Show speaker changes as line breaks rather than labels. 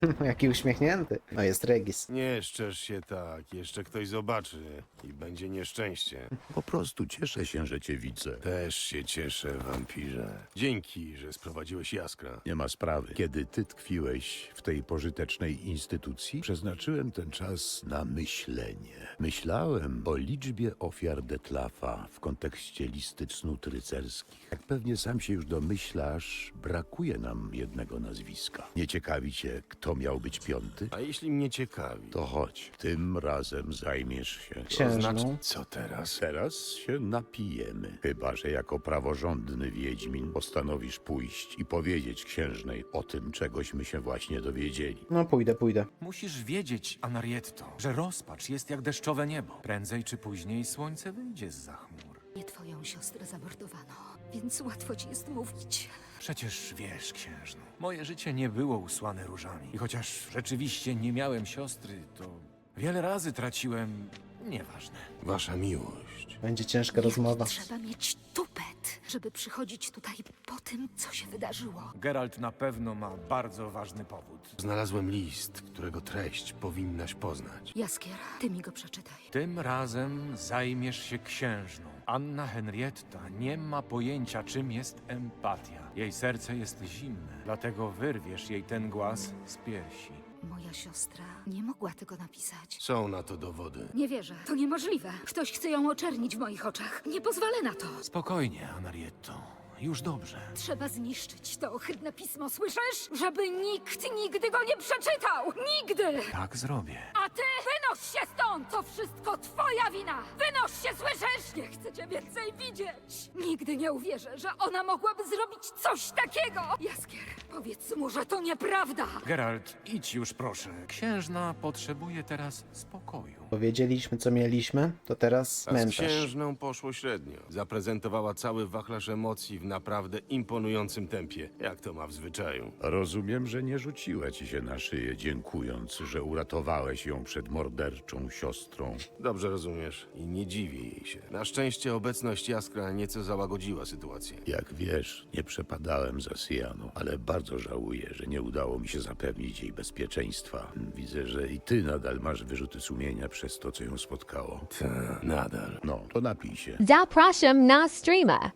Jaki uśmiechnięty. No jest Regis.
Nie szczerz się tak, jeszcze ktoś zobaczy i będzie nieszczęście.
Po prostu cieszę się, że cię widzę.
Też się cieszę, wampirze. Dzięki, że sprowadziłeś Jaskra.
Nie ma sprawy. Kiedy ty tkwiłeś w tej pożytecznej instytucji, przeznaczyłem ten czas na myślenie. Myślałem o liczbie ofiar Detlafa w kontekście listy cnót rycerskich. Jak pewnie sam się już domyślasz, brakuje nam jednego nazwiska. Nie ciekawi cię, kto miał być piąty?
A jeśli mnie ciekawi,
To chodź, tym razem zajmiesz się.
to
Księżną.
znaczy, co teraz?
Teraz się napijemy. Chyba że jako praworządny wiedźmin postanowisz pójść i powiedzieć księżnej o tym, czegośmy się właśnie dowiedzieli.
No pójdę.
Musisz wiedzieć, Anarietto, że rozpacz jest jak deszczowe niebo. Prędzej czy później słońce wyjdzie zza chmur.
Nie twoją siostrę zamordowano, więc łatwo ci jest mówić.
Przecież wiesz, księżno, moje życie nie było usłane różami. I chociaż rzeczywiście nie miałem siostry, to wiele razy traciłem... Nieważne.
Wasza miłość.
Będzie ciężka rozmowa.
Trzeba mieć tupet, żeby przychodzić tutaj po tym, co się wydarzyło.
Geralt na pewno ma bardzo ważny powód.
Znalazłem list, którego treść powinnaś poznać.
Jaskier, ty mi go przeczytaj.
Tym razem zajmiesz się księżną. Anna Henrietta nie ma pojęcia, czym jest empatia. Jej serce jest zimne, dlatego wyrwiesz jej ten głaz z piersi.
Moja siostra nie mogła tego napisać.
Są na to dowody.
Nie wierzę. To niemożliwe. Ktoś chce ją oczernić w moich oczach. Nie pozwolę na to.
Spokojnie, Anarietto. Już dobrze.
Trzeba zniszczyć to ohydne pismo, słyszysz? Żeby nikt nigdy go nie przeczytał! Nigdy!
Tak zrobię.
A ty wynoś się stąd! To wszystko twoja wina! Wynoś się, słyszysz? Nie chcę cię więcej widzieć! Nigdy nie uwierzę, że ona mogłaby zrobić coś takiego! Jaskier, powiedz mu, że to nieprawda!
Geralt, idź już proszę. Księżna potrzebuje teraz spokoju.
Powiedzieliśmy, co mieliśmy, to teraz
A z
mętasz.
księżną poszło średnio. Zaprezentowała cały wachlarz emocji w naprawdę imponującym tempie, jak to ma w zwyczaju.
Rozumiem, że nie rzuciła ci się na szyję, dziękując, że uratowałeś ją przed morderczą siostrą.
Dobrze rozumiesz i nie dziwię jej się. Na szczęście obecność Jaskra nieco załagodziła sytuację.
Jak wiesz, nie przepadałem za Sianą, ale bardzo żałuję, że nie udało mi się zapewnić jej bezpieczeństwa. Widzę, że i ty nadal masz wyrzuty sumienia przez to, co ją spotkało.
Ta, nadal.
No, to napij się.
Zapraszam na streama.